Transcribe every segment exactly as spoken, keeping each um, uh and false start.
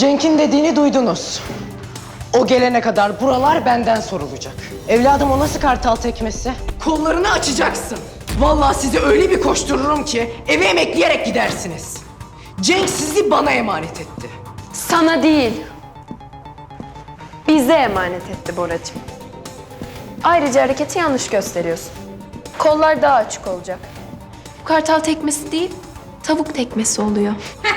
Cenk'in dediğini duydunuz. O gelene kadar buralar benden sorulacak. Evladım, o nasıl kartal tekmesi? Kollarını açacaksın. Vallahi sizi öyle bir koştururum ki eve emekleyerek gidersiniz. Cenk sizi bana emanet etti. Sana değil, bize emanet etti Boracığım. Ayrıca hareketi yanlış gösteriyorsun. Kollar daha açık olacak. Bu kartal tekmesi değil, tavuk tekmesi oluyor.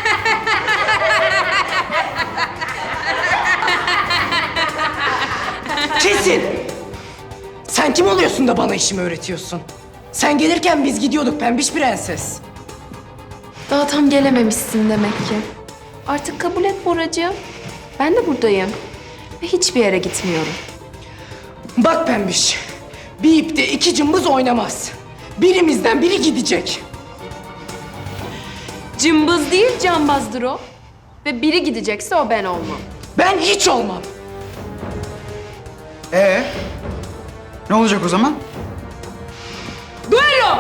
Kesin! Sen kim oluyorsun da bana işimi öğretiyorsun? Sen gelirken biz gidiyorduk pembiş prenses. Daha tam gelememişsin demek ki. Artık kabul et Boracığım. Ben de buradayım. Ve hiçbir yere gitmiyorum. Bak pembiş, bir ipte iki cımbız oynamaz. Birimizden biri gidecek. Cımbız değil, cambazdır o. Ve biri gidecekse o ben olmam. Ben hiç olmam. Ee? Ne olacak o zaman? Duello!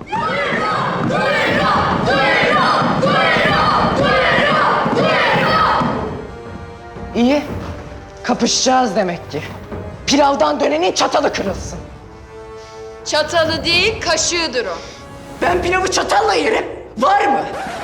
İyi, kapışacağız demek ki. Pilavdan dönenin çatalı kırılsın. Çatalı değil, kaşığıdır o. Ben pilavı çatalla yerim. Var mı?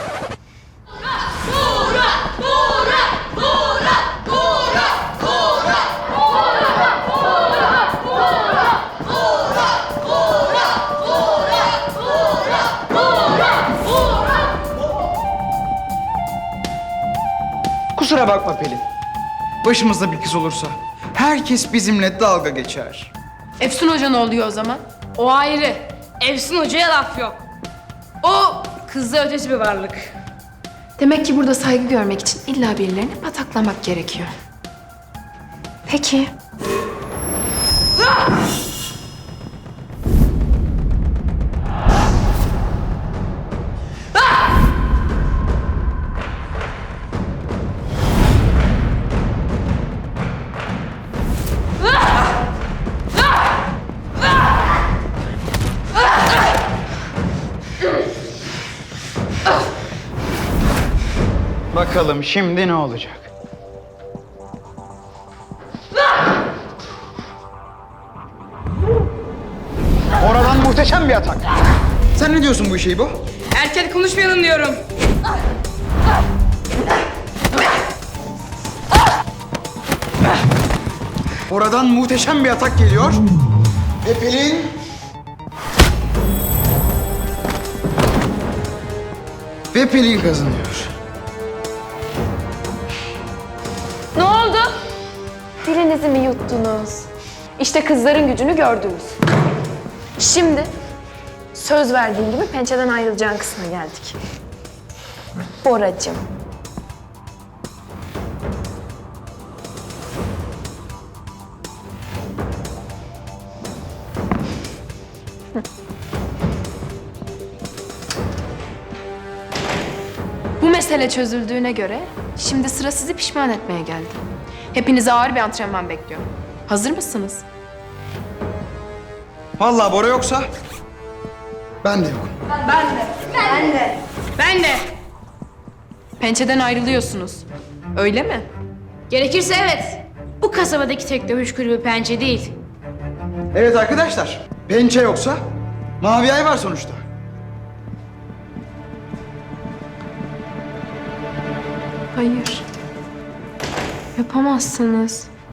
Kusura bakma Pelin. Başımızda bir kız olursa herkes bizimle dalga geçer. Efsun Hoca ne oluyor o zaman? O ayrı. Efsun Hoca'ya laf yok. O kızla ötesi bir varlık. Demek ki burada saygı görmek için illa birilerini pataklamak gerekiyor. Peki. Bakalım şimdi ne olacak? Oradan muhteşem bir atak. Sen ne diyorsun bu işe bu? Erken konuşmayalım diyorum. Oradan muhteşem bir atak geliyor. Ve Pelin... Ve Pelin kazanıyor. Ne oldu? Dilinizi mi yuttunuz? İşte kızların gücünü gördünüz. Şimdi söz verdiğim gibi pençeden ayrılacağın kısma geldik. Boracığım. Bu mesele çözüldüğüne göre şimdi sıra sizi pişman etmeye geldi. Hepinize ağır bir antrenman bekliyor. Hazır mısınız? Vallahi Bora yoksa ben de yokum. Ben de. Pençeden ayrılıyorsunuz. Öyle mi? Gerekirse evet. Bu kasabadaki tek dövüş kulübü Pençe değil. Evet arkadaşlar, pençe yoksa mavi ay var sonuçta. Hayır. Yapamazsınız.